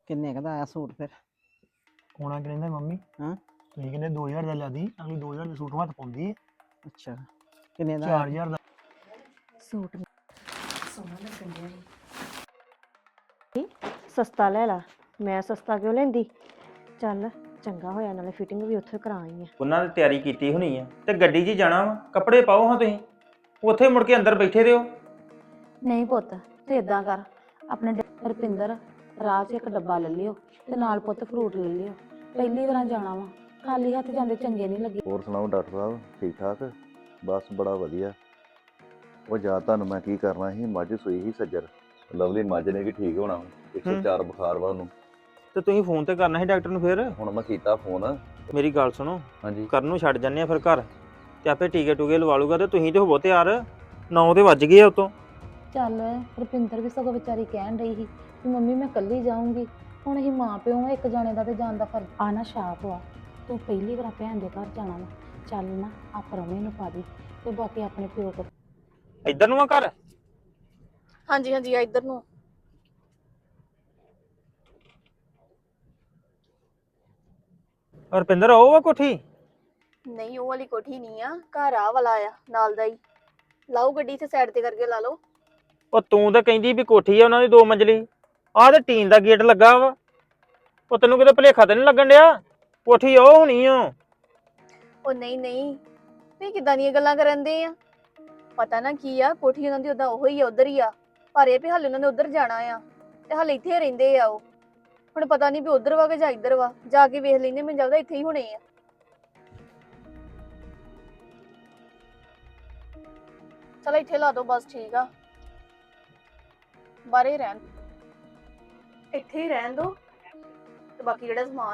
ਕਿੰਨੇ ਕੁ ਦਾ ਆਇਆ ਸੂਟ ਫਿਰ? ਹੋਣਾ ਕਹਿੰਦਾ ਮੰਮੀ ਹਾਂ ਤੁਸੀਂ ਕਹਿੰਦੇ 2000 ਦਾ ਲਿਆਦੀ ਅਗਲੀ 2000 ਦੇ ਸੂਟ ਹੱਥ ਪਾਉਂਦੀ ਹੈ ਅੱਛਾ ਕਿੰਨੇ ਦਾ ਆਇਆ? 4000 ਦਾ ਸੂਟ ਸੋਹਣਾ ਲੱਗਣ ਡਿਆ ਸੀ ਸਸਤਾ ਲੈ ਲਾ। ਮੈਂ ਸਸਤਾ ਕਿਉਂ ਲੈਂਦੀ? ਚੱਲ ਚੰਗਾ ਹੋਇਆ, ਨਾਲੇ ਫਿਟਿੰਗ ਵੀ ਉੱਥੇ ਕਰਾ ਆਈ ਆ। ਉਹਨਾਂ ਨੇ ਤਿਆਰੀ ਕੀਤੀ ਹੋਣੀ ਆ ਤੇ ਗੱਡੀ 'ਚ ਹੀ ਜਾਣਾ ਵਾ। ਕੱਪੜੇ ਪਾਓ ਹਾਂ ਤੁਸੀਂ, ਉੱਥੇ ਮੁੜ ਕੇ ਅੰਦਰ ਬੈਠੇ ਰਹੋ। ਨਹੀਂ ਪੁੱਤ ਤੂੰ ਇਦਾਂ ਕਰ, ਆਪਣੇ ਰੁਪਿੰਦਰ ਰਾਹ 'ਚ ਇੱਕ ਡੱਬਾ ਲੈ ਲਿਓ ਤੇ ਨਾਲ ਪੁੱਤ ਫਰੂਟ ਲੈ ਲਿਓ। ਪਹਿਲੀ ਵਾਰ ਜਾਣਾ ਵਾ, ਖਾਲੀ ਹੱਥ ਜਾਂਦੇ ਚੰਗੇ ਨਹੀਂ ਲੱਗੇ। ਹੋਰ ਸੁਣਾਓ ਡਾਕਟਰ ਸਾਹਿਬ, ਠੀਕ ਠਾਕ? ਬਸ ਬੜਾ ਵਧੀਆ। ਉਹ ਜਾ ਤੁਹਾਨੂੰ ਮੈਂ ਕੀ ਕਰਨਾ ਸੀ, ਮੱਝ ਸੂਈ ਸੀ ਸੱਜਰ, ਲਵਲੀ ਮੱਝ ਨੇ ਵੀ ਠੀਕ ਹੋਣਾ 104 ਬੁਖਾਰ ਵਾ ਉਹਨੂੰ। ਤੇ ਤੁਸੀਂ ਫੋਨ ਤੇ ਕਰਨਾ ਸੀ ਡਾਕਟਰ ਨੂੰ। ਫਿਰ ਹੁਣ ਮੈਂ ਕੀਤਾ ਫੋਨ। ਮੇਰੀ ਗੱਲ ਸੁਣੋ, ਹਾਂਜੀ ਕਰਨ ਨੂੰ ਛੱਡ ਜੰਨੇ ਆ ਫਿਰ ਘਰ, ਤੇ ਆਪੇ ਟੀਕੇ ਟੂਕੇ ਲਵਾ ਲੂਗਾ। ਤੇ ਤੁਸੀਂ ਤੇ ਹੋਵੋ ਤਿਆਰ, 9 ਤੇ ਵੱਜ ਗਏ ਆ ਉਤੋਂ। ਚੱਲ ਰੁਪਿੰਦਰ ਵੀ ਸਗੋਂ ਵਿਚਾਰੀ ਕਹਿਣ ਰਹੀ ਸੀ ਕਿ ਮੰਮੀ ਮੈਂ ਇਕੱਲੀ ਜਾਊਂਗੀ। ਹੁਣ ਅਸੀਂ ਮਾਂ ਪਿਓ ਆ, ਇੱਕ ਜਾਣੇ ਦਾ ਤੇ ਜਾਣ ਦਾ ਫਰਜ਼ ਆ ਨਾ। ਛਾਪ ਆ ਤੂੰ ਪਹਿਲੀ ਵਾਰ ਭੈਣ ਦੇ ਘਰ ਜਾਣਾ ਵਾ, ਚੱਲ ਨਾ ਆ ਪ੍ਰਾਹੁਣੇ ਨੂੰ ਪਾ ਦੀ ਤੇ ਬਾਕੀ ਆਪਣੇ ਪਿਓ ਕੋਲ। ਇੱਧਰ ਨੂੰ ਆ ਘਰ? ਹਾਂਜੀ ਹਾਂਜੀ ਆ ਇੱਧਰ ਨੂੰ। ਰੁਪਿੰਦਰ ਉਹ ਵਾ ਕੋਠੀ? ਨਹੀਂ ਉਹ ਵਾਲੀ ਕੋਠੀ ਨਹੀਂ ਆ, ਘਰ ਆ ਵਾਲਾ ਆ ਨਾਲ ਦਾ ਹੀ। ਲਾਓ ਗੱਡੀ ਇੱਥੇ ਸਾਈਡ ਤੇ ਕਰਕੇ ਲਾ ਲਓ। ਉਹ ਤੂੰ ਤਾਂ ਕਹਿੰਦੀ ਵੀ ਕੋਠੀ ਆ ਉਹਨਾਂ ਦੀ 2 ਮੰਜ਼ਲੀ, ਆਹ ਤੇ ਟੀਨ ਦਾ ਗੇਟ ਲੱਗਾ ਵਾ। ਉਹ ਤੈਨੂੰ ਕਿਤੇ ਭੁਲੇਖਾ ਤੇ ਨਹੀਂ ਲੱਗਣ ਡਿਆ? ਕੋਠੀ ਉਹ ਹੋਣੀ ਓ। ਉਹ ਨਹੀਂ ਨਹੀਂ, ਤੁਸੀਂ ਕਿੱਦਾਂ ਦੀਆਂ ਗੱਲਾਂ ਕਰਨ ਦੇ ਆ? ਪਤਾ ਨਾ ਕੀ ਆ, ਕੋਠੀ ਉਹਨਾਂ ਦੀ ਉਦਾਂ ਉਹੋ ਹੀ ਆ, ਉਧਰ ਹੀ ਆ। ਪਰ ਇਹ ਵੀ ਹਾਲੇ ਉਹਨਾਂ ਨੇ ਉਧਰ ਜਾਣਾ ਆ ਤੇ ਹਾਲੇ ਇੱਥੇ ਰਹਿੰਦੇ ਆ ਉਹ। ਹੁਣ ਪਤਾ ਨਹੀਂ ਵੀ ਉਧਰ ਵਾ ਕਿ ਜਾਂ ਇੱਧਰ ਵਾ, ਜਾ ਕੇ ਵੇਖ ਲੈਂਦੇ। ਮੈਨੂੰ ਲੱਗਦਾ ਇੱਥੇ ਹੀ ਹੋਣੇ ਆ। ਚਲ ਇੱਥੇ ਲਾ ਦੋ ਬਸ, ਠੀਕ ਆ। ਬਾਹਰੇ ਰਹਿਣ, ਇੱਥੇ ਹੀ ਰਹਿਣ ਦੋ ਤੇ ਬਾਕੀ ਜਿਹੜਾ ਸਮਾਨ।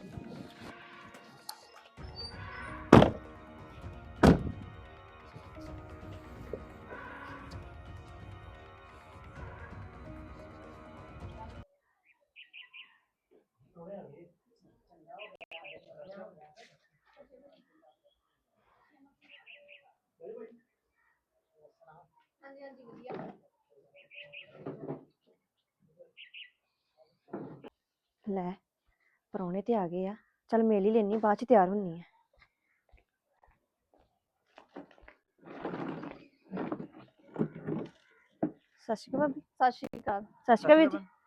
ਹਾਂਜੀ ਹਾਂਜੀ ਵਧੀਆ। ਲੈ ਪ੍ਰਾਹੁਣੇ ਤੇ ਆ ਗਏ ਆ, ਚੱਲ ਮੇਲ ਹੀ ਲੈਣੀ, ਬਾਅਦ ਚ ਤਿਆਰ ਹੁੰਨੀ ਆ। ਸਤਿ ਸ਼੍ਰੀ ਅਕਾਲ ਭਾਬੀ। ਸਤਿ ਸ਼੍ਰੀ ਅਕਾਲ। ਸਤਿ ਸ਼੍ਰੀ ਅਕਾਲ ਵੀਰ ਜੀ।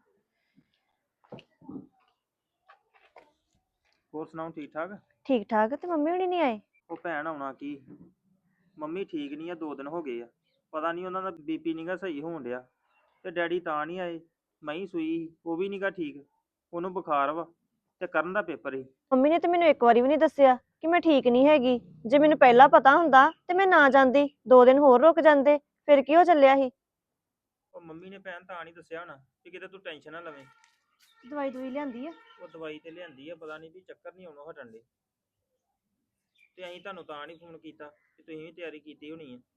ਹੋਰ ਸੁਣਾਓ, ਠੀਕ ਠਾਕ? ਠੀਕ ਠਾਕ। ਤੇ ਮੰਮੀ ਹੁਣੀ ਨਹੀਂ ਆਏ? ਉਹ ਭੈਣ ਆਉਣਾ ਕੀ, ਮੰਮੀ ਠੀਕ ਨਹੀਂ ਆ, 2 ਦਿਨ ਹੋ ਗਏ ਆ। ਪਤਾ ਨਹੀਂ ਉਹਨਾਂ ਦਾ ਬੀਪੀ ਨੀਗਾ ਸਹੀ ਹੋਣ ਡਿਆ, ਤੇ ਡੈਡੀ ਤਾਂ ਨਹੀਂ ਆਏ। ਮੈਂ ਹੀ ਸੂਈ ਸੀ, ਉਹ ਵੀ ਨੀਗਾ ਠੀਕ, ਉਹਨੂੰ ਬੁਖਾਰ ਵਾ, ਤੇ ਕਰਨ ਦਾ ਪੇਪਰ ਸੀ। ਮੰਮੀ ਨੇ ਤੇ ਮੈਨੂੰ ਇੱਕ ਵਾਰੀ ਵੀ ਨਹੀਂ ਦੱਸਿਆ ਕਿ ਮੈਂ ਠੀਕ ਨਹੀਂ ਹੈਗੀ। ਜੇ ਮੈਨੂੰ ਪਹਿਲਾਂ ਪਤਾ ਹੁੰਦਾ ਤੇ ਮੈਂ ਨਾ ਜਾਂਦੀ, 2 ਦਿਨ ਹੋਰ ਰੁਕ ਜਾਂਦੇ, ਫਿਰ ਕੀ ਹੋ ਚੱਲਿਆ ਸੀ? ਉਹ ਮੰਮੀ ਨੇ ਭੈਣ ਤਾਂ ਨਹੀਂ ਦੱਸਿਆ ਹੋਣਾ ਕਿ ਕਿਤੇ ਤੂੰ ਟੈਨਸ਼ਨ ਨਾ ਲਵੇਂ। ਦਵਾਈ ਦਵਾਈ ਲਿਆਂਦੀ ਆ? ਉਹ ਦਵਾਈ ਤੇ ਲਿਆਂਦੀ ਆ, ਪਤਾ ਨਹੀਂ ਵੀ ਚੱਕਰ ਨਹੀਂ ਆਉਣੋਂ ਹਟਣ ਦੇ। ਤੇ ਅਸੀਂ ਤੁਹਾਨੂੰ ਤਾਂ ਨਹੀਂ ਫੋਨ ਕੀਤਾ ਕਿ ਤੁਸੀਂ ਵੀ ਤਿਆਰੀ ਕੀਤੀ ਹੋਣੀ ਹੈ।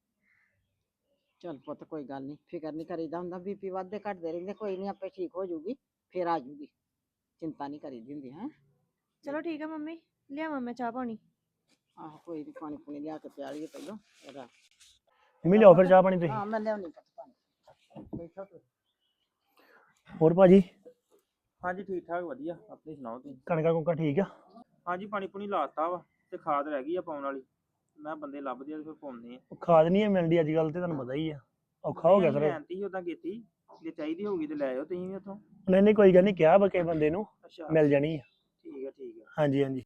ਚੱਲ ਪੁੱਤ ਕੋਈ ਗੱਲ ਨਹੀਂ, ਫਿਕਰ ਨਹੀਂ ਕਰੀਦਾ ਹੁੰਦਾ। ਬੀਪੀ ਵੱਧਦੇ ਘਟਦੇ ਰਹਿੰਦੇ, ਕੋਈ ਨਹੀਂ ਆਪੇ ਠੀਕ ਹੋ ਜਾਊਗੀ, ਫਿਰ ਆ ਜਾਊਗੀ। ਚਿੰਤਾ ਨਹੀਂ ਕਰੀਦੀ ਹੁੰਦੀ। ਹੈ ਚਲੋ ਠੀਕ ਆ ਮੰਮੀ, ਲਿਆਵਾਂ ਮੈਂ ਚਾਹ ਪਾਣੀ? ਆਹੋ ਕੋਈ ਨਹੀਂ, ਪਾਣੀ ਪੂਣੀ ਲਿਆ ਕੇ ਪਿਆ ਲਈਏ ਪਹਿਲਾਂ ਇਹਦਾ। ਮੰਮੀ ਲਿਆਓ ਫਿਰ ਚਾਹ ਪਾਣੀ ਤੁਸੀਂ। ਹਾਂ ਮੈਂ ਲਿਆਉਣੀ ਪੁੱਤ ਪਾਣੀ, ਬੈਠੋ ਤੁਸੀਂ। ਹੋਰ ਭਾਜੀ ਹਾਂਜੀ ਠੀਕ ਠਾਕ ਵਧੀਆ, ਆਪਣੀ ਸੁਣਾਓ ਤੁਸੀਂ? ਕਣਕਾਂ ਕੁਣਕਾਂ ਠੀਕ ਆ? ਹਾਂਜੀ ਪਾਣੀ ਪੂਣੀ ਲਾਤਾ ਵਾ, ਤੇ ਖਾਦ ਰਹਿ ਗਈ ਆ ਪਾਉਣ ਵਾਲੀ। ਮੈਂ ਬੰਦੇ ਲੱਭਦੇ ਆ ਤੇ ਫਿਰ ਪਾਉਂਦੇ ਆ। ਉਹ ਖਾਦ ਨਹੀਂ ਮਿਲਦੀ ਅੱਜ ਕੱਲ, ਤੇ ਤੁਹਾਨੂੰ ਪਤਾ ਹੀ ਆ, ਔਖਾ ਹੋ ਗਿਆ ਫਿਰ। ਲੈਣਤੀ ਉਦਾਂ ਕੀਤੀ, ਜੇ ਚਾਹੀਦੀ ਹੋਊਗੀ ਤੇ ਲੈ ਆਇਓ ਤੁਸੀਂ ਵੀ ਉੱਥੋਂ। ਨਹੀਂ ਨਹੀਂ ਕੋਈ ਗੱਲ ਨਹੀਂ, ਕਿਹਾ ਬਕੇ ਬੰਦੇ ਨੂੰ ਅੱਛਾ ਮਿਲ ਜਾਣੀ ਆ। ਠੀਕ ਆ ਠੀਕ ਆ। ਹਾਂਜੀ ਹਾਂਜੀ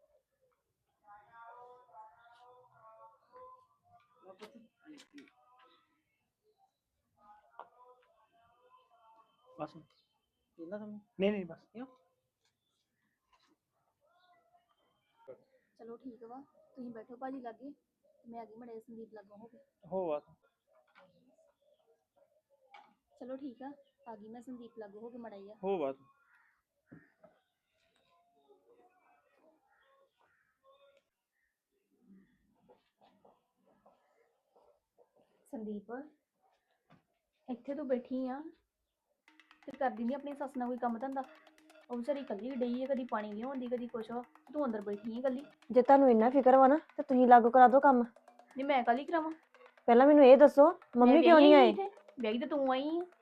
ਬਸ ਪੀਂਦਾ ਤੁਹਾਨੂੰ? ਨਹੀਂ ਨਹੀਂ ਬਸ। ਚਲੋ ਠੀਕ ਵਾ, ਤੁਸੀਂ ਬੈਠੋ ਭਾਜੀ ਲਾਗੇ, ਮੈਂ ਆ ਗਈ ਮੜੇ ਸੰਦੀਪ ਲੱਗੋ ਹੋ ਗਏ। ਹੋ ਆ। ਚਲੋ ਠੀਕ ਆ ਗਈ ਮੈਂ ਸੰਦੀਪ ਲੱਗੋ ਹੋ ਕੇ ਮੜਾ ਹੀ ਆ। ਹੋ ਬਸ। ਸੰਦੀਪ ਇੱਥੇ ਤੂੰ ਬੈਠੀ ਆ ਤੇ ਕਰਦੀ ਨਹੀਂ ਆਪਣੀ ਸੱਸ ਨਾਲ ਕੋਈ ਕੰਮ ਧੰਦਾ? ਉਹ ਵਿਚਾਰੀ ਇਕੱਲੀ ਡਈ ਹੈ, ਕਦੀ ਪਾਣੀ ਲਿਆਉਂਦੀ ਕਦੀ ਕੁਛ ਵਾ, ਤੂੰ ਅੰਦਰ ਬੈਠੀ ਹੈ ਇਕੱਲੀ। ਜੇ ਤੁਹਾਨੂੰ ਇੰਨਾ ਫਿਕਰ ਵਾ ਨਾ ਤੇ ਤੁਸੀਂ ਲਾਗੂ ਕਰਾ ਦਿਓ ਕੰਮ। ਨਹੀਂ ਮੈਂ ਕਾਹਲੀ ਕਰਾਵਾਂ? ਪਹਿਲਾਂ ਮੈਨੂੰ ਇਹ ਦੱਸੋ ਮੰਮੀ ਕਿਉਂ ਨਹੀਂ ਆਏ? ਵਿਆਹੀ ਤੇ ਤੂੰ ਆਈ ਆ।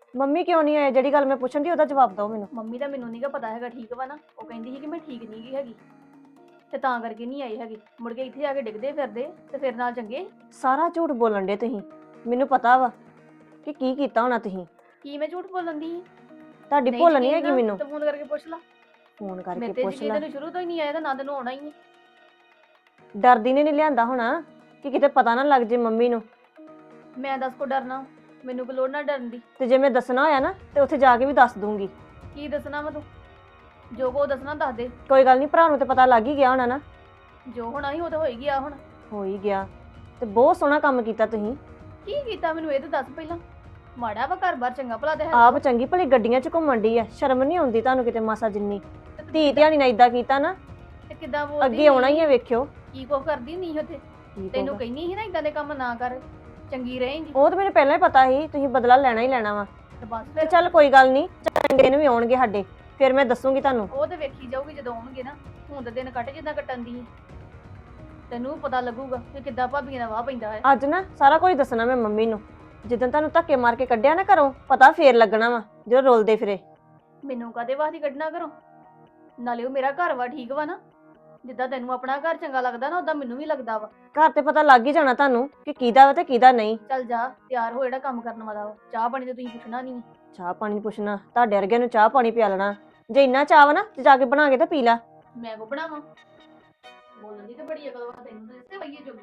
ਮੰਮੀ ਕਿਉਂ ਨਹੀਂ ਆਏ? ਜਿਹੜੀ ਗੱਲ ਮੈਂ ਪੁੱਛਣ ਦੀ ਉਹਦਾ ਜਵਾਬ ਦਿਓ ਮੈਨੂੰ। ਮੰਮੀ ਦਾ ਮੈਨੂੰ ਨਹੀਂਗਾ ਪਤਾ ਹੈਗਾ, ਠੀਕ ਵਾ ਨਾ? ਉਹ ਕਹਿੰਦੀ ਸੀ ਕਿ ਮੈਂ ਠੀਕ ਨਹੀਂ ਗਈ ਹੈਗੀ ਤੇ ਤਾਂ ਕਰਕੇ ਨਹੀਂ ਆਈ ਹੈਗੀ। ਮੁੜ ਕੇ ਇੱਥੇ ਆ ਕੇ ਡਿੱਗਦੇ ਫਿਰਦੇ ਤੇ ਫਿਰ ਨਾਲ ਚੰਗੇ। ਸਾਰਾ ਝੂਠ ਬੋਲਣ ਦੇ ਤੁਸੀਂ। ਮੈਨੂੰ ਪਤਾ ਵਾ ਕਿ ਕੀ ਕੀਤਾ ਹੋਣਾ ਤੁਸੀਂ। ਕੀ ਮੈਂ ਝੂਠ ਬੋਲਣ ਦੀ? ਤੁਹਾਡੀ ਭੁੱਲ ਨਹੀਂ ਯਕੀਨ ਹੈਗੀ ਨਾ ਮੈਨੂੰ। ਤੇ ਫੋਨ ਕਰਕੇ ਪੁੱਛ ਲਾ। ਫੋਨ ਕਰਕੇ ਮੇਰੇ ਤੇ ਪੁੱਛ ਯਕੀਨ ਲੈ। ਤੈਨੂੰ ਸ਼ੁਰੂ ਤੋਂ ਹੀ ਨਹੀਂ ਆਇਆ ਤਾਂ ਨਾ ਤੈਨੂੰ ਆਉਣਾ ਹੀ ਨਹੀਂ। ਡਰਦੀ ਨੇ ਨਹੀਂ ਲਿਆਂਦਾ ਹੋਣਾ ਕਿ ਕਿਤੇ ਪਤਾ ਨਾ ਲੱਗ ਜੇ ਮੰਮੀ ਨੂੰ। ਮੈਂ ਦੱਸ ਕੋ ਡਰਨਾ? ਮੈਨੂੰ ਕੋਈ ਲੋੜ ਨਾ ਡਰਨ ਦੀ। ਤੇ ਜੇ ਮੈਂ ਦੱਸਣਾ ਹੋਇਆ ਨਾ ਤੇ ਉੱਥੇ ਜਾ ਕੇ ਵੀ ਦੱਸ ਦੂੰਗੀ। ਕੀ ਦੱਸਣਾ ਵਾ ਤੂੰ? ਜੋ ਕੋ ਦੱਸਣਾ ਦੱਸ ਦੇ। ਕੋਈ ਗੱਲ ਨਹੀਂ, ਭਰਾ ਨੂੰ ਤੇ ਪਤਾ ਲੱਗ ਹੀ ਗਿਆ ਹੋਣਾ ਨਾ। ਜੋ ਹੋਣਾ ਸੀ ਉਹ ਤਾਂ ਹੋ ਹੀ ਗਿਆ ਹੁਣ। ਹੋ ਹੀ ਗਿਆ ਤੇ ਬਹੁਤ ਸੋਹਣਾ ਕੰਮ ਕੀਤਾ ਤੁਸੀਂ। ਕੀ ਕੀਤਾ ਮੈਨੂੰ ਇਹ ਤਾਂ ਦੱਸ ਪਹਿਲਾਂ। ਮਾੜਾ ਵਾ ਘਰ-ਬਾਰ, ਚੰਗਾ ਭਲਾ ਤੇ ਹੈ। ਆਪ ਚੰਗੀ ਭਲੀ ਗੱਡੀਆਂ 'ਚ ਘੁੰਮਣ ਡਈ ਆ, ਸ਼ਰਮ ਨਹੀਂ ਆਉਂਦੀ ਤੁਹਾਨੂੰ ਕਿਤੇ ਮਾਸਾ ਜਿੰਨੀ। ਧੀ ਧਿਆਣੀ ਨਾਲ ਇਦਾਂ ਕੀਤਾ ਨਾ, ਤੇ ਕਿੱਦਾਂ ਬੋਲਦੀ ਅੱਗੇ ਆਉਣਾ ਹੀ ਆ, ਵੇਖਿਓ। ਕੀ ਕੋ ਕਰਦੀ ਨਹੀਂ ਉੱਥੇ? ਕੀ ਤੈਨੂੰ ਕਹੂਗਾ। ਕਹਿੰਦੀ ਸੀ ਨਾ ਇਦਾਂ ਦੇ ਕੰਮ ਨਾ ਕਰ, ਚੰਗੀ ਰਹੇਂਗੀ। ਉਹ ਤਾਂ ਮੈਨੂੰ ਪਹਿਲਾਂ ਹੀ ਪਤਾ ਸੀ ਤੁਸੀਂ ਬਦਲਾ ਲੈਣਾ ਹੀ ਲੈਣਾ ਵਾ। ਤੇ ਬਸ ਤੇ ਫਿਰ ਚੱਲ ਕੋਈ ਗੱਲ ਨਹੀਂ, ਚੰਗੇ ਦਿਨ ਵੀ ਆਉਣਗੇ ਸਾਡੇ, ਫਿਰ ਮੈਂ ਦੱਸੂਗੀ ਤੁਹਾਨੂੰ। ਉਹ ਤੇ ਵੇਖੀ ਜਾਊਗੀ ਜਦੋਂ ਆਉਣਗੇ ਨਾ। ਹੁਣ ਤਾਂ ਦਿਨ ਕੱਟ ਜਿੱਦਾਂ ਕੱਟਣ ਦੀ ਸੀ। ਤੈਨੂੰ ਪਤਾ ਲੱਗੂਗਾ ਕਿ ਕਿੱਦਾਂ ਭਾਬੀਆਂ ਦਾ ਵਾਹ ਪੈਂਦਾ ਹੈ। ਅੱਜ ਨਾ ਸਾਰਾ ਕੁਝ ਦੱਸਣਾ ਮੈਂ ਮੰਮੀ ਨੂੰ। ਜਿੱਦਣ ਤੁਹਾਨੂੰ ਧੱਕੇ ਮਾਰ ਕੇ ਕੱਢਿਆ ਨਾ ਘਰੋਂ, ਪਤਾ ਫੇਰ ਲੱਗਣਾ ਵਾ ਜਦੋਂ ਰੋਲਦੇ ਫਿਰੇ। ਮੈਨੂੰ ਕਾਹਦੇ ਵਾਸਤੇ ਕੱਢਣਾ ਘਰੋਂ? ਨਾਲੇ ਉਹ ਮੇਰਾ ਘਰ ਵਾ, ਠੀਕ ਵਾ ਨਾ? ਜਿੱਦਾਂ ਤੈਨੂੰ ਆਪਣਾ ਘਰ ਚੰਗਾ ਲੱਗਦਾ ਨਾ, ਉਦਾਂ ਮੈਨੂੰ ਵੀ ਲੱਗਦਾ ਵਾ। ਘਰ ਤੇ ਪਤਾ ਲੱਗ ਹੀ ਜਾਣਾ ਤੁਹਾਨੂੰ ਕਿ ਕਿਹਦਾ ਵਾ ਤੇ ਕਿਹਦਾ ਨਹੀਂ। ਚੱਲ ਜਾ ਤਿਆਰ ਹੋ, ਜਿਹੜਾ ਕੰਮ ਕਰਨ ਵਾਲਾ ਵਾ। ਚਾਹ ਪਾਣੀ ਤੇ ਤੁਸੀਂ ਪੁੱਛਣਾ ਨਹੀਂ। ਚਾਹ ਪਾਣੀ ਪੁੱਛਣਾ? ਤੁਹਾਡੇ ਵਰਗਿਆਂ ਨੂੰ ਚਾਹ ਪਾਣੀ ਪਿਆ ਲੈਣਾ। ਜੇ ਇੰਨਾ ਚਾਹ ਵਾ ਨਾ ਤੇ ਜਾ ਕੇ ਬਣਾ ਕੇ ਤੇ ਪੀ ਲੈ। ਮੈਂ ਕੋ ਬਣਾਵਾਂ? ਬੋਲਣ ਦੀ ਤੇ ਬੜੀ ਅਕਲ ਵਾ ਤੈਨੂੰ, ਤੇ ਇਸੇ ਵਈਏ ਜੋਗੀ।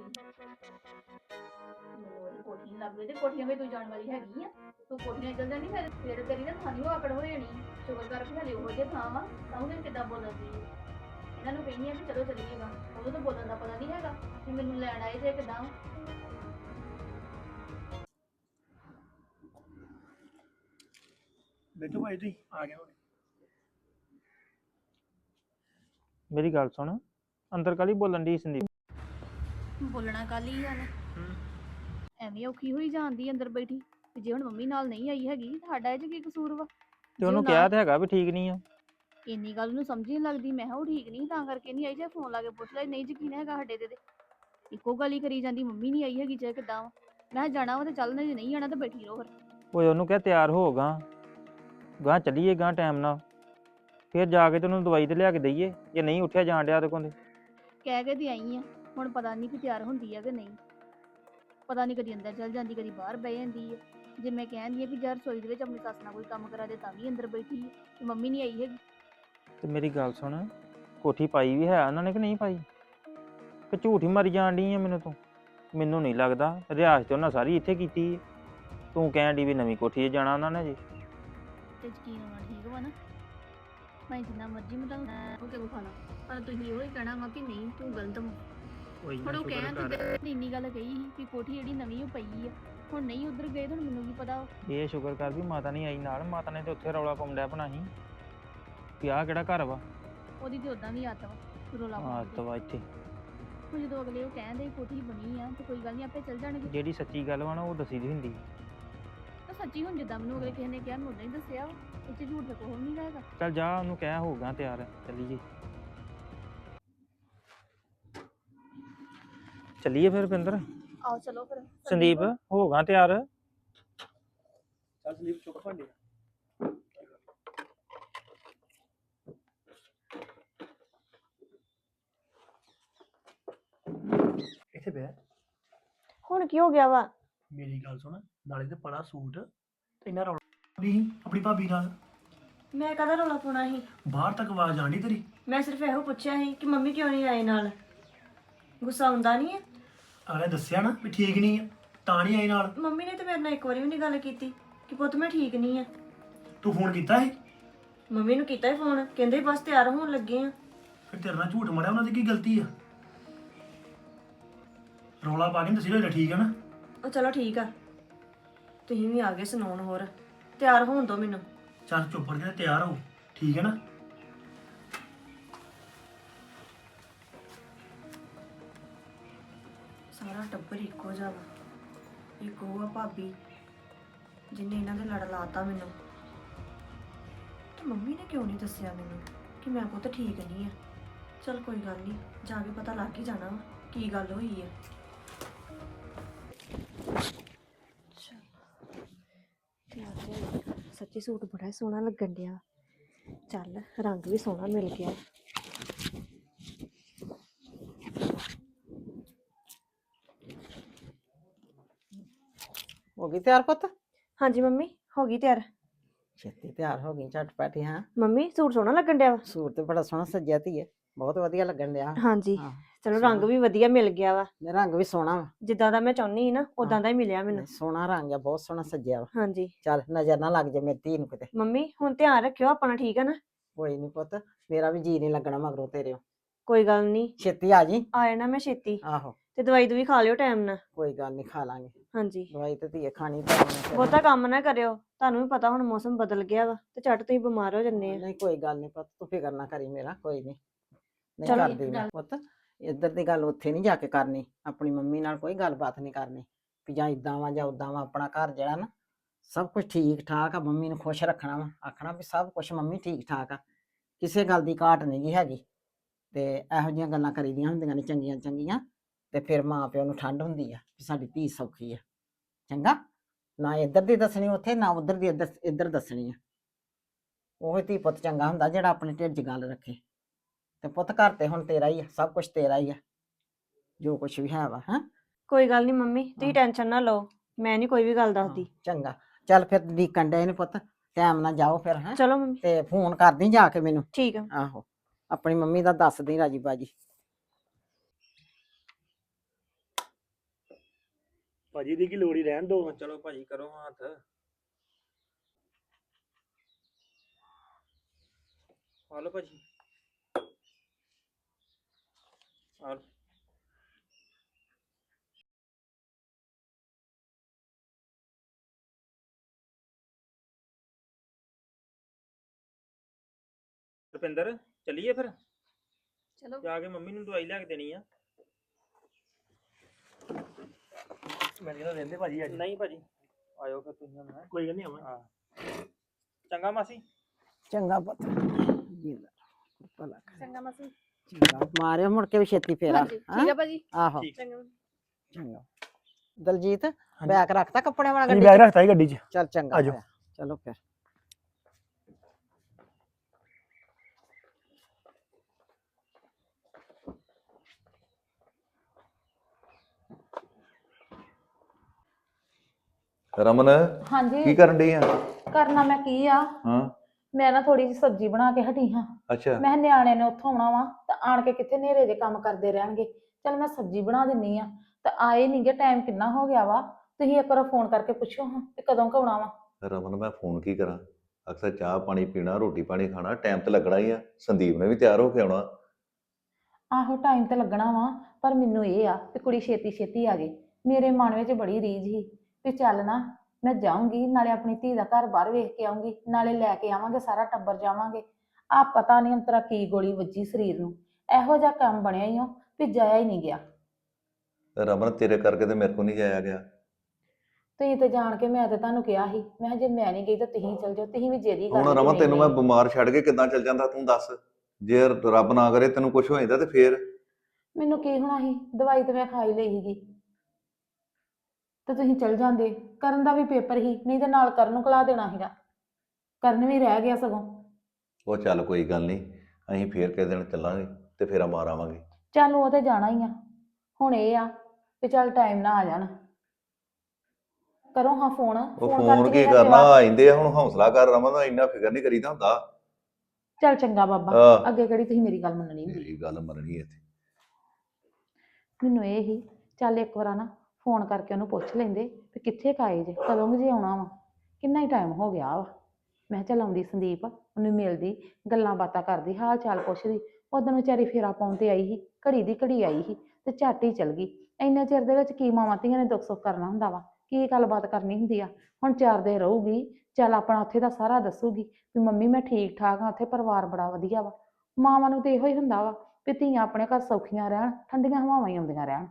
ਮੈਨੂੰ ਕੋਠੀ ਨੀ ਲੱਗਦੀ ਤੇ ਕੋਠੀਆਂ ਵੀ ਤੂੰ ਜਾਣ ਵਾਲੀ ਹੈਗੀ ਆ। ਤੂੰ ਕੋਠੀਆਂ ਚੱਲ ਜਾਣੀ, ਫਿਰ ਤੇਰੀ ਨਾ ਥਾਨੀ ਉਹ ਆਕੜ ਹੋ ਜਾਣੀ। ਸ਼ੁਕਰ ਕਰ ਵੀ ਹਲੇ ਉਹੋ ਜਿਹੇ ਥਾਂ ਵਾ, ਤਾਂ ਉਹਦੇ ਕਿੱਦਾਂ ਬੋਲਦੀ ਹੈ। ਇਹਨਾਂ ਨੂੰ ਕਹਿੰਦੀ ਆ ਵੀ ਚਲੋ ਚੱਲੀਏਗਾ, ਉਹਨੂੰ ਤਾਂ ਬੋਲਣ ਦਾ ਪਤਾ ਨਹੀਂ ਹੈਗਾ ਕਿ ਮੈਨੂੰ ਲੈਣ ਆਏ ਜੇ ਕਿੱਦਾਂ। ਬੈਠੋ ਭਾਈ, ਤੁਸੀਂ ਆ ਗਏ ਹੋਣੇ। ਮੇਰੀ ਗੱਲ ਸੁਣ, ਅੰਦਰ ਕਾਲੀ ਬੋਲਣ ਦੀ ਸੰਦੀਪ? ਬੋਲਣਾ ਕੱਲ ਹੀ ਹਨ। ਐਵੇਂ ਔਖੀ ਹੋਈ ਜਾਂਦੀ ਅੰਦਰ ਬੈਠੀ। ਤੇ ਜੇ ਹੁਣ ਮੰਮੀ ਨਾਲ ਨਹੀਂ ਆਈ ਹੈਗੀ, ਸਾਡਾ ਇਹ ਚ ਕੀ ਕਸੂਰ ਵਾ? ਤੇ ਉਹਨੂੰ ਕਿਹਾ ਤੇ ਹੈਗਾ ਵੀ ਠੀਕ ਨਹੀਂ ਆ। ਇੰਨੀ ਗੱਲ ਨੂੰ ਸਮਝ ਨਹੀਂ ਲੱਗਦੀ। ਮੈਂ ਕਿਹਾ ਉਹ ਠੀਕ ਨਹੀਂ ਤਾਂ ਕਰਕੇ ਨਹੀਂ ਆਈ। ਜੇ ਫੋਨ ਲਾ ਕੇ ਪੁੱਛ ਲੈ, ਨਹੀਂ ਯਕੀਨ ਹੈਗਾ ਸਾਡੇ ਤੇ। ਇੱਕੋ ਗੱਲ ਹੀ ਕਰੀ ਜਾਂਦੀ, ਮੰਮੀ ਨਹੀਂ ਆਈ ਹੈਗੀ ਚਾਹੇ ਕਿੱਦਾਂ ਵਾ। ਮੈਂ ਕਿਹਾ ਜਾਣਾ ਵਾ ਤੇ ਚੱਲ, ਜੇ ਨਹੀਂ ਜਾਣਾ ਤਾਂ ਬੈਠੀ ਰਹੋ ਫਿਰ। ਓਏ ਉਹਨੂੰ ਕਿਹਾ ਤਿਆਰ ਹੋ ਗਾਂ ਚੱਲੀਏ ਗਾਂ ਟਾਈਮ ਨਾਲ, ਫਿਰ ਜਾ ਕੇ ਤੇ ਉਹਨੂੰ ਦਵਾਈ ਤੇ ਲਿਆ ਕੇ ਦਈਏ ਜੇ ਨਹੀਂ ਉੱਠਿਆ ਜਾਣ ਡਿਆ ਉਹਦੇ ਕੋਲ। ਕਹਿ ਕੇ ਤੇ ਆਈ ਆ, ਹੁਣ ਪਤਾ ਨਹੀਂ ਕਿ ਤਿਆਰ ਹੁੰਦੀ ਆ ਕਿ ਨਹੀਂ। ਪਤਾ ਨਹੀਂ ਕਦੀ ਅੰਦਰ ਚੱਲ ਜਾਂਦੀ, ਕਦੀ ਬਾਹਰ ਬਹਿ ਜਾਂਦੀ ਹੈ। ਜੇ ਮੈਂ ਕਹਿੰਦੀ ਆ ਕਿ ਯਾਰ ਰਸੋਈ ਦੇ ਵਿੱਚ ਆਪਣੀ ਸੱਸ ਨਾਲ ਕੋਈ ਕੰਮ ਕਰਾ ਦੇ, ਤਾਂ ਵੀ ਅੰਦਰ ਬੈਠੀ ਹੈ ਤੇ ਮੰਮੀ ਨਹੀਂ ਆਈ ਹੈਗੀ। ਤੇ ਮੇਰੀ ਗੱਲ ਸੁਣ, ਕੋਠੀ ਪਾਈ ਵੀ ਹੈ ਉਹਨਾਂ ਨੇ ਕਿ ਨਹੀਂ ਪਾਈ? ਕਿ ਝੂਠ ਹੀ ਮਾਰੀ ਜਾਣ ਡਈ ਆ ਮੈਨੂੰ ਤੂੰ? ਮੈਨੂੰ ਨਹੀਂ ਲੱਗਦਾ, ਰਿਆਸਤ ਤੇ ਉਹਨਾਂ ਸਾਰੀ ਇੱਥੇ ਕੀਤੀ ਹੈ। ਤੂੰ ਕਹਿਣ ਡਈ ਵੀ ਨਵੀਂ ਕੋਠੀ 'ਚ ਜਾਣਾ ਉਹਨਾਂ ਨੇ ਜੀ। ਤੇ ਯਕੀਨ ਹੋਣਾ ਠੀਕ ਵਾ ਨਾ? ਮੈਂ ਜਿੰਨਾ ਮਰਜ਼ੀ ਮੈਂ ਤੁਹਾਨੂੰ ਉਹ ਕਿਉਂ ਖਾਣਾ, ਪਰ ਤੁਸੀਂ ਇਹੋ ਹੀ ਕਹਿਣਾ ਵਾ ਕਿ ਨਹੀਂ ਤੂੰ ਗਲਤ ਵਾ। ਹੁਣ ਉਹ ਕਹਿਣ ਤੇ ਇੰਨੀ ਗੱਲ ਕਹੀ ਸੀ ਕਿ ਕੋਠੀ ਜਿਹੜੀ ਨਵੀਂ ਉਹ ਪਈ ਆ। ਹੁਣ ਨਹੀਂ ਉਧਰ ਗਏ ਤਾਂ ਮੈਨੂੰ ਕੀ ਪਤਾ ਵਾ। ਇਹ ਸ਼ੁਕਰ ਕਰ ਵੀ ਮਾਤਾ ਨਹੀਂ ਆਈ ਨਾਲ, ਮਾਤਾ ਨੇ ਤੇ ਉੱਥੇ ਰੌਲਾ ਪਾਉਂਦਾ ਬਣਾ ਸੀ ਵੀ ਆਹ ਕਿਹੜਾ ਘਰ ਵਾ। ਉਹਦੀ ਤੇ ਉਦਾਂ ਵੀ ਆਦਤ ਵਾ ਰੋਲਾ ਪਾਉਣ ਆਦਤ ਦੀ। ਵਾ ਇੱਥੇ। ਹੁਣ ਜਦੋਂ ਅਗਲੇ ਉਹ ਕਹਿੰਦੇ ਕੋਠੀ ਬਣੀ ਆ ਤੇ ਕੋਈ ਗੱਲ ਨਹੀਂ, ਆਪੇ ਚੱਲ ਜਾਣਗੇ। ਜਿਹੜੀ ਸੱਚੀ ਗੱਲ ਵਾ ਨਾ ਉਹ ਦੱਸੀ ਦੀ ਹੁੰਦੀ। ਤਾਂ ਸੱਚੀ ਹੁਣ ਜਿੱਦਾਂ ਮੈਨੂੰ ਅਗਲੇ ਕਿਸੇ ਨੇ ਕਿਹਾ, ਮੈਂ ਉਦਾਂ ਹੀ ਦੱਸਿਆ ਵਾ। ਇੱਥੇ ਝੂਠ ਤਾਂ ਕੋਈ ਨਹੀਂ ਰਹੇਗਾ। ਚੱਲ ਜਾ, ਉਹਨੂੰ ਕਹਿ ਹੋਊਗਾ ਤਿਆਰ, ਚੱਲੀਏ। ਚੱਲੀਏ ਫਿਰ ਪਿੰਦਰ। ਆਓ ਚਲੋ ਫਿਰ। ਸੰਦੀਪ ਹੋਗਾ ਤਿਆਰ? ਚੱਲ ਸੰਦੀਪ ਚੁੱਕ ਭਾਂਡੇ। ਇੱਥੇ ਬੈ। ਹੁਣ ਕੀ ਹੋ ਗਿਆ ਵਾ? ਮੇਰੀ ਗੱਲ ਸੁਣ, ਨਾਲੇ ਤੇ ਬੜਾ ਸੂਟ ਤੇ ਇੰਨਾ ਰੌਲਾ ਨਹੀਂ ਆਪਣੀ ਭਾਬੀ ਨਾਲ। ਮੈਂ ਕਦਾ ਰੌਲਾ ਪਾਉਣਾ ਸੀ? ਬਾਹਰ ਤੱਕ ਆਵਾਜ਼ ਆਣੀ ਤੇਰੀ। ਮੈਂ ਸਿਰਫ ਇਹੋ ਪੁੱਛਿਆ ਸੀ ਕਿ ਮੰਮੀ ਕਿਉਂ ਨਹੀਂ ਆਏ ਨਾਲ। ਗੁੱਸਾ ਆਉਂਦਾ ਨਹੀਂ ਹੈ? ਅਗਲੇ ਦੱਸਿਆ ਨਾ ਵੀ ਠੀਕ ਨਹੀਂ ਆ, ਤਾਂ ਨਹੀਂ ਆਈ ਨਾਲ। ਮੰਮੀ ਨੇ ਤੇ ਮੇਰੇ ਨਾਲ ਇੱਕ ਵਾਰੀ ਵੀ ਨਹੀਂ ਗੱਲ ਕੀਤੀ ਕਿ ਪੁੱਤ ਮੈਂ ਠੀਕ ਨਹੀਂ ਆ। ਤੂੰ ਫੋਨ ਕੀਤਾ ਸੀ? ਮੰਮੀ ਨੂੰ ਕੀਤਾ ਹੀ ਫੋਨ, ਕਹਿੰਦੇ ਬਸ ਤਿਆਰ ਹੋਣ ਲੱਗੇ ਆ। ਫਿਰ ਤੇਰੇ ਨਾਲ ਝੂਠ ਮਾਰਿਆ, ਉਹਨਾਂ ਦੀ ਕੀ ਗਲਤੀ ਆ? ਰੌਲਾ ਪਾ ਕੇ ਦੱਸੀ ਹੋਇਆ ਠੀਕ ਹੈ ਨਾ? ਉਹ ਚਲੋ ਠੀਕ ਆ, ਤੁਸੀਂ ਵੀ ਆ ਗਏ ਸੁਣਾਉਣ। ਹੋਰ ਤਿਆਰ ਹੋਣ ਦੋ ਮੈਨੂੰ। ਚੱਲ ਚੁੱਪ ਕਰਕੇ ਤਿਆਰ ਹੋ, ਠੀਕ ਹੈ ਨਾ? ਸਾਰਾ ਟੱਬਰ ਇੱਕੋ ਜਿਹਾ ਵਾ। ਇੱਕ ਉਹ ਆ ਭਾਬੀ ਜਿਹਨੇ ਇਹਨਾਂ ਦੇ ਲੜ ਲਾਤਾ ਮੈਨੂੰ। ਤੇ ਮੰਮੀ ਨੇ ਕਿਉਂ ਨਹੀਂ ਦੱਸਿਆ ਮੈਨੂੰ ਕਿ ਮੈਂ ਪੁੱਤ ਠੀਕ ਨਹੀਂ ਆ। ਚਲ ਕੋਈ ਗੱਲ ਨਹੀਂ, ਜਾ ਕੇ ਪਤਾ ਲੱਗ ਹੀ ਜਾਣਾ ਵਾ ਕੀ ਗੱਲ ਹੋਈ ਹੈ। ਚਲ ਤਿਆਰ ਹੋ ਸੱਚੀ ਸੂਟ ਬੜਾ ਸੋਹਣਾ ਲੱਗਣ ਡਿਆ। ਚੱਲ ਰੰਗ ਵੀ ਸੋਹਣਾ ਮਿਲ ਗਿਆ। ਹੋ ਗਈ ਤਿਆਰ ਪੁੱਤ? ਹਾਂਜੀ ਮੰਮੀ ਹੋ ਗਈ ਤਿਆਰ। ਛੇਤੀ ਤਿਆਰ ਹੋ ਗਈ ਝਟਪਟ ਹੀ। ਹਾਂ, ਮੰਮੀ ਸੂਟ ਸੋਹਣਾ ਲੱਗਣ ਡਿਆ ਵਾ। ਸੂਟ ਤੇ ਬੜਾ ਸੋਹਣਾ ਸੱਜਿਆ ਧੀਏ, ਬਹੁਤ ਵਧੀਆ ਲੱਗਣ ਡਿਆ। ਹਾਂਜੀ ਹਾਂ, ਚਲੋ ਸੋਹਣਾ। ਰੰਗ ਵੀ ਵਧੀਆ ਮਿਲ ਗਿਆ ਵਾ। ਰੰਗ ਵੀ ਸੋਹਣਾ ਵਾ। ਜਿੱਦਾਂ ਦਾ ਮੈਂ ਚਾਹੁੰਦੀ ਸੀ ਨਾ ਉਦਾਂ ਦਾ ਹੀ ਮਿਲਿਆ ਮੈਨੂੰ। ਨਹੀਂ, ਸੋਹਣਾ ਰੰਗ ਆ, ਬਹੁਤ ਸੋਹਣਾ ਸੱਜਿਆ ਵਾ। ਹਾਂਜੀ ਚੱਲ ਨਜ਼ਰ ਨਾ ਲੱਗ ਜਾ ਮੇਰੀ ਧੀ ਨੂੰ ਕਿਤੇ। ਮੰਮੀ ਹੁਣ ਧਿਆਨ ਰੱਖਿਓ ਆਪਣਾ, ਠੀਕ ਆ ਨਾ? ਕੋਈ ਨਹੀਂ ਪੁੱਤ, ਮੇਰਾ ਵੀ ਜੀ ਨਹੀਂ ਲੱਗਣਾ ਮਗਰੋਂ ਤੇਰੇ। ਕੋਈ ਗੱਲ ਨਹੀਂ, ਛੇਤੀ ਆ ਜੀ। ਆ ਜਾਣਾ ਮੈਂ ਛੇਤੀ। ਆਹੋ, ਤੇ ਦਵਾਈ ਦੂਈ ਖਾ ਲਿਓ ਟਾਈਮ ਨਾਲ। ਕੋਈ ਗੱਲ ਨਹੀਂ, ਖਾ ਲਾਂਗੇ ਹਾਂਜੀ ਦਵਾਈ ਤੇ ਧੀਏ ਖਾਣੀ ਪੈਣੀ। ਬਹੁਤਾ ਕੰਮ ਨਾ ਕਰਿਓ, ਤੁਹਾਨੂੰ ਵੀ ਪਤਾ ਹੁਣ ਮੌਸਮ ਬਦਲ ਗਿਆ ਵਾ ਤੇ ਝੱਟ ਤੁਸੀਂ ਬਿਮਾਰ ਹੋ ਜੰਨੇ ਆ। ਨਹੀਂ ਕੋਈ ਗੱਲ ਨਹੀਂ ਪੁੱਤ, ਤੂੰ ਫਿਕਰ ਨਾ ਕਰੀ ਮੇਰਾ, ਕੋਈ ਨਹੀਂ। ਨਹੀਂ ਚਲੋ। ਕਰਦੀ ਮੈਂ ਪੁੱਤ, ਇੱਧਰ ਦੀ ਗੱਲ ਉੱਥੇ ਨਹੀਂ ਜਾ ਕੇ ਕਰਨੀ। ਆਪਣੀ ਮੰਮੀ ਨਾਲ ਕੋਈ ਗੱਲਬਾਤ ਨਹੀਂ ਕਰਨੀ ਵੀ ਜਾਂ ਇਦਾਂ ਵਾ ਜਾਂ ਉਦਾਂ ਵਾ। ਆਪਣਾ ਘਰ ਜਿਹੜਾ ਨਾ ਸਭ ਕੁਝ ਠੀਕ ਠਾਕ ਆ। ਮੰਮੀ ਨੂੰ ਖੁਸ਼ ਰੱਖਣਾ ਵਾ, ਆਖਣਾ ਵੀ ਸਭ ਕੁਝ ਮੰਮੀ ਠੀਕ ਠਾਕ ਆ, ਕਿਸੇ ਗੱਲ ਦੀ ਘਾਟ ਨਹੀਂ ਗੀ ਹੈਗੀ। ਤੇ ਇਹੋ ਜਿਹੀਆਂ ਗੱਲਾਂ ਕਰੀਦੀਆਂ ਹੁੰਦੀਆਂ ਨੇ ਚੰਗੀਆਂ ਚੰਗੀਆਂ, ਤੇ ਫਿਰ ਮਾਂ ਪਿਓ ਨੂੰ ਠੰਡ ਹੁੰਦੀ ਆ ਵੀ ਸਾਡੀ ਧੀ ਸੌਖੀ ਆ। ਚੰਗਾ, ਨਾ ਇੱਧਰ ਦੀ ਦੱਸਣੀ ਉੱਥੇ, ਨਾ ਉੱਧਰ ਦੀ ਇੱਧਰ ਦੱਸਣੀ ਆ। ਉਹ ਧੀ ਪੁੱਤ ਚੰਗਾ ਹੁੰਦਾ ਜਿਹੜਾ ਆਪਣੇ ਢਿੱਡ 'ਚ ਗੱਲ ਰੱਖੇ। ਤੇ ਪੁੱਤ ਘਰ ਤੇ ਹੁਣ ਤੇਰਾ ਹੀ ਆ, ਸਭ ਕੁਝ ਤੇਰਾ ਹੀ ਆ, ਜੋ ਕੁਝ ਵੀ ਹੈ ਵਾ। ਹਾਂ, ਕੋਈ ਗੱਲ ਨਹੀਂ ਮੰਮੀ, ਤੁਸੀਂ ਹਾਂ। ਟੈਨਸ਼ਨ ਨਾ ਲਓ, ਮੈਂ ਨਹੀਂ ਕੋਈ ਵੀ ਗੱਲ ਦੱਸਦੀ। ਚੰਗਾ, ਚੱਲ ਫਿਰ ਡੀਕਣ ਡਏ ਨੇ ਪੁੱਤ, ਟਾਈਮ ਨਾਲ ਜਾਓ ਫਿਰ। ਹੈ, ਚਲੋ ਮੰਮੀ ਤੇ ਫੋਨ ਕਰਦੀ ਜਾ ਕੇ ਮੈਨੂੰ। ਠੀਕ ਆ। ਆਹੋ, ਆਪਣੀ ਮੰਮੀ ਦਾ ਦੱਸਦੀ ਰਾਜੀ ਬਾਜੀ। ਭਾਜੀ ਦੀ ਕੀ ਲੋੜ ਹੀ ਰਹਿਣ ਦੋ। ਚਲੋ ਭਾਜੀ ਕਰੋ ਹੱਥ। ਆ ਲਓ ਭਾਜੀ, ਆ ਲਓ। ਰੁਪਿੰਦਰ ਚੱਲੀਏ ਫਿਰ, ਚਲੋ ਜਾ ਕੇ ਮੰਮੀ ਨੂੰ ਦਵਾਈ ਲਿਆ ਕੇ ਦੇਣੀ ਆ। ਮੈਂ ਕਹਿੰਦਾ ਰਹਿੰਦੇ ਭਾਜੀ ਅੱਜ। ਨਹੀਂ ਭਾਜੀ, ਆਇਓ ਫਿਰ ਤੁਸੀਂ ਹੁਣ। ਹੈਂ? ਕੋਈ ਗੱਲ ਨਹੀਂ ਆਵਾਂ। ਹਾਂ, ਚੰਗਾ ਮਾਸੀ। ਚੰਗਾ ਪੁੱਤ, ਜਿੰਦਾ ਭਲਾ ਕਰੇ। ਚੰਗਾ ਮਾਸੀ। ਚੰਗਾ, ਮਾਰਿਓ ਮੁੜ ਕੇ ਵੀ ਛੇਤੀ ਫੇਰਾ। ਹਾਂਜੀ ਠੀਕ ਆ ਭਾਜੀ। ਆਹੋ, ਠੀਕ। ਚੰਗਾ। ਚੰਗਾ। ਦਲਜੀਤ, ਬੈਗ ਰੱਖਤਾ ਕੱਪੜੇ ਵਾਲਾ ਹਾਂਜੀ ਗੱਡੀ ਬੈਗ 'ਚ? ਰੱਖਤਾ ਹੀ ਗੱਡੀ 'ਚ। ਚੱਲ ਚੰਗਾ ਆਜੋ। ਹੋਇਆ। ਚਲੋ ਫਿਰ। ਰਮਨ, ਕੀ ਹਾਂਜੀ, ਕਰਨ ਡਈ ਆ? ਕਰਨਾ ਮੈਂ ਕੀ ਆ? ਹਾਂ, ਮੈਂ ਨਾ ਥੋੜੀ ਜਿਹੀ ਸਬਜ਼ੀ ਬਣਾ ਕੇ ਹਟੀ ਹਾਂ। ਅੱਛਾ। ਮੈਂ ਕਿਹਾ ਨਿਆਣੇ ਨੇ ਉੱਥੋਂ ਆਉਣਾ ਵਾ ਤਾਂ ਆਣ ਕੇ ਕਿੱਥੇ ਨੇਰੇ ਦੇ ਕੰਮ ਕਰਦੇ ਰਹਿਣਗੇ। ਚਲ ਮੈਂ ਸਬਜ਼ੀ ਬਣਾ ਦਿੰਨੀ ਆ। ਤਾਂ ਆਏ ਨਹੀਂਗੇ, ਟਾਈਮ ਕਿੰਨਾ ਹੋ ਗਿਆ ਵਾ। ਤੁਸੀਂ ਇੱਕ ਵਾਰ ਫੋਨ ਕਰਕੇ ਪੁੱਛੋ ਹਾਂ ਕਿ ਕਦੋਂ ਕੁ ਆਉਣਾ ਵਾ। ਰਮਨ, ਮੈਂ ਫੋਨ ਕੀ ਕਰਾਂ? ਅਕਸਰ ਚਾਹ ਪਾਣੀ ਪੀਣਾ, ਰੋਟੀ ਪਾਣੀ ਖਾਣਾ, ਟਾਈਮ ਤੇ ਲੱਗਣਾ ਹੀ ਆ। ਸੰਦੀਪ ਨੇ ਵੀ ਤਿਆਰ ਹੋ ਕੇ ਆਉਣਾ। ਆਹੋ ਟਾਈਮ ਤੇ ਲੱਗਣਾ ਵਾ, ਪਰ ਮੈਨੂੰ ਇਹ ਆ ਕਿ ਕੁੜੀ ਛੇਤੀ ਛੇਤੀ ਆ ਜੇ। ਮੇਰੇ ਮਨ ਵਿੱਚ ਬੜੀ ਰੀਝ ਸੀ ਵੀ ਚੱਲ ਨਾ ਮੈਂ ਜਾਊਂਗੀ, ਨਾਲੇ ਆਪਣੀ ਧੀ ਦਾ ਘਰ ਬਾਹਰ ਵੇਖ ਕੇ ਆਊਂਗੀ, ਨਾਲੇ ਲੈ ਕੇ ਆਵਾਂਗੇ, ਸਾਰਾ ਟੱਬਰ ਜਾਵਾਂਗੇ। ਆ ਪਤਾ ਨਹੀਂ ਅੰਤਰਾ ਕੀ ਗੋਲੀ ਵੱਜੀ ਸਰੀਰ ਨੂੰ, ਇਹੋ ਜਿਹਾ ਕੰਮ ਬਣਿਆ ਹੀ ਉਹ ਵੀ ਜਾਇਆ ਹੀ ਨਹੀਂ ਗਿਆ। ਰਮਨ, ਤੇਰੇ ਕਰਕੇ ਤੇ ਮੇਰੇ ਕੋਲ ਨਹੀਂ ਜਾਇਆ ਗਿਆ। ਤੁਸੀਂ ਤੇ ਜਾਣ ਕੇ, ਮੈਂ ਤੇ ਤੁਹਾਨੂੰ ਕਿਹਾ ਸੀ, ਮੈਂ ਕਿਹਾ ਜੇ ਮੈਂ ਨਹੀਂ ਗਈ ਤਾਂ ਤੁਸੀਂ ਚਲ ਜਾਓ। ਤੁਸੀਂ ਵੀ ਜੇਦੀ ਕਰ ਹੁਣ ਲਈ ਰਮਨ, ਕਿ ਤੈਨੂੰ ਨਹੀਂ ਮੈਂ ਬਿਮਾਰ ਛੱਡ ਕੇ ਕਿੱਦਾਂ ਚੱਲ ਜਾਂਦਾ ਤੂੰ ਦੱਸ? ਜੇ ਰੱਬ ਨਾ ਕਰੇ ਤੈਨੂੰ ਕੁਝ ਹੋ ਜਾਂਦਾ ਤੇ ਫੇਰ? ਮੈਨੂੰ ਕੀ ਹੋਣਾ ਸੀ, ਦਵਾਈ ਤੇ ਮੈਂ ਖਾ ਹੀ ਲਈ ਸੀਗੀ। ਤੇ ਤੁਸੀਂ ਚਲ ਜਾਂਦੇ, ਕਰਨ ਦਾ ਵੀ ਪੇਪਰ ਹੀ, ਨਹੀਂ ਤੇ ਨਾਲ ਕਰਨ ਨੂੰ ਕਲਾ ਦੇਣਾ ਸੀਗਾ। ਕਰਨ ਵੀ ਰਹਿ ਗਿਆ ਸਗੋਂ। ਉਹ ਚੱਲ ਕੋਈ ਗੱਲ ਨਹੀਂ, ਅਸੀਂ ਫੇਰ ਕਿਸੇ ਦਿਨ ਚੱਲਾਂਗੇ ਤੇ ਫੇਰਾ ਮਾਰ ਆਵਾਂਗੇ। ਚੱਲ ਉਹ ਤੇ ਜਾਣਾ ਹੀ ਆ। ਹੁਣ ਇਹ ਆ ਵੀ ਚੱਲ ਟਾਈਮ ਨਾਲ ਆ ਜਾਣ। ਕਰੋ ਹਾਂ ਫੋਨ। ਉਹ ਫੋਨ ਫੋਨ ਕਰਕੇ ਕੀ ਮੇਰਾ ਕਰਨਾ, ਜਵਾਬ। ਆਇੰਦੇ ਆ। ਹੁਣ ਹੌਸਲਾ ਕਰ ਰਮਨ, ਇੰਨਾ ਫਿਕਰ ਨਹੀਂ ਕਰੀਦਾ ਹੁੰਦਾ। ਚੱਲ ਚੰਗਾ ਬਾਬਾ, ਆਹ। ਅੱਗੇ ਕਿਹੜੀ ਤੁਸੀਂ ਮੇਰੀ ਗੱਲ ਮੰਨਣੀ ਹੁੰਦੀ। ਮੇਰੀ ਗੱਲ ਮੰਨਣੀ ਇੱਥੇ। ਮੈਨੂੰ ਇਹ ਹੀ, ਚੱਲ ਇੱਕ ਵਾਰ ਨਾ ਫੋਨ ਕਰਕੇ ਉਹਨੂੰ ਪੁੱਛ ਲੈਂਦੇ ਵੀ ਕਿੱਥੇ ਕਾਏ ਜੇ, ਕਦੋਂ ਕੁ ਜੇ ਆਉਣਾ ਵਾ, ਕਿੰਨਾ ਹੀ ਟਾਈਮ ਹੋ ਗਿਆ ਵਾ। ਮੈਂ ਕਿਹਾ ਚੱਲ ਆਉਂਦੀ ਸੰਦੀਪ, ਉਹਨੂੰ ਮਿਲਦੀ, ਗੱਲਾਂ ਬਾਤਾਂ ਕਰਦੀ, ਹਾਲ ਚਾਲ ਪੁੱਛਦੀ। ਉਦੋਂ ਵਿਚਾਰੀ ਫੇਰਾ ਪਾਉਣ ਤੇ ਆਈ ਸੀ, ਘੜੀ ਦੀ ਘੜੀ ਆਈ ਸੀ ਤੇ ਝੱਟ ਹੀ ਚਲ ਗਈ। ਇੰਨੇ ਚਿਰ ਦੇ ਵਿੱਚ ਕੀ ਮਾਵਾਂ ਧੀਆਂ ਨੇ ਦੁੱਖ ਸੁੱਖ ਕਰਨਾ ਹੁੰਦਾ ਵਾ, ਕੀ ਗੱਲਬਾਤ ਕਰਨੀ ਹੁੰਦੀ ਆ। ਹੁਣ 4 ਦਿਨ ਰਹੂਗੀ, ਚੱਲ ਆਪਣਾ ਉੱਥੇ ਦਾ ਸਾਰਾ ਦੱਸੂਗੀ ਵੀ ਮੰਮੀ ਮੈਂ ਠੀਕ ਠਾਕ ਹਾਂ, ਉੱਥੇ ਪਰਿਵਾਰ ਬੜਾ ਵਧੀਆ ਵਾ। ਮਾਵਾਂ ਨੂੰ ਤੇ ਇਹੋ ਹੀ ਹੁੰਦਾ ਵਾ ਵੀ ਧੀਆਂ ਆਪਣੇ ਘਰ ਸੌਖੀਆਂ ਰਹਿਣ, ਠੰਡੀਆਂ ਹਵਾਵਾਂ ਹੀ ਆਉਂਦੀਆਂ ਰਹਿਣ।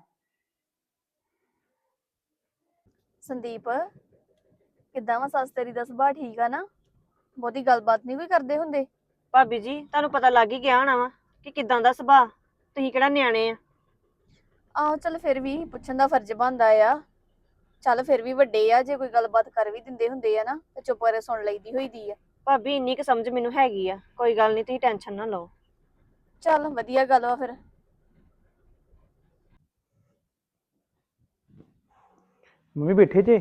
ਸੰਦੀਪ ਕਿੱਦਾਂ ਵਾ? ਸੱਸ ਤੇਰੀ ਦਾ ਸੁਭਾਅ ਠੀਕ ਆ ਨਾ? ਬਹੁਤੀ ਗੱਲਬਾਤ ਨਹੀਂ ਕੋਈ ਕਰਦੇ ਹੁੰਦੇ? ਭਾਬੀ ਜੀ ਤੁਹਾਨੂੰ ਪਤਾ ਲੱਗ ਹੀ ਗਿਆ ਹੋਣਾ ਵਾ ਕਿ ਕਿਦਾਂ ਦਾ ਸੁਭਾਅ। ਤੁਸੀਂ ਕਿਹੜਾ ਨਿਆਣੇ ਆ। ਆਹੋ ਚੱਲ ਫਿਰ ਵੀ ਪੁੱਛਣ ਦਾ ਫਰਜ਼ ਬਣਦਾ ਆ। ਚੱਲ ਫਿਰ ਵੀ ਵੱਡੇ ਆ, ਜੇ ਕੋਈ ਗੱਲਬਾਤ ਕਰ ਵੀ ਦਿੰਦੇ ਹੁੰਦੇ ਆ ਨਾ ਤੇ ਚੁੱਪ ਕਰਕੇ ਸੁਣ ਲਈਦੀ ਹੋਈਦੀ ਆ। ਭਾਬੀ ਇੰਨੀ ਕੁ ਸਮਝ ਮੈਨੂੰ ਹੈਗੀ ਆ, ਕੋਈ ਗੱਲ ਨਹੀਂ ਤੁਸੀਂ ਟੈਨਸ਼ਨ ਨਾ ਲਓ। ਚੱਲ ਵਧੀਆ ਗੱਲ ਵਾ ਫਿਰ। ਮੰਮੀ ਬੈਠੇ ਜੇ?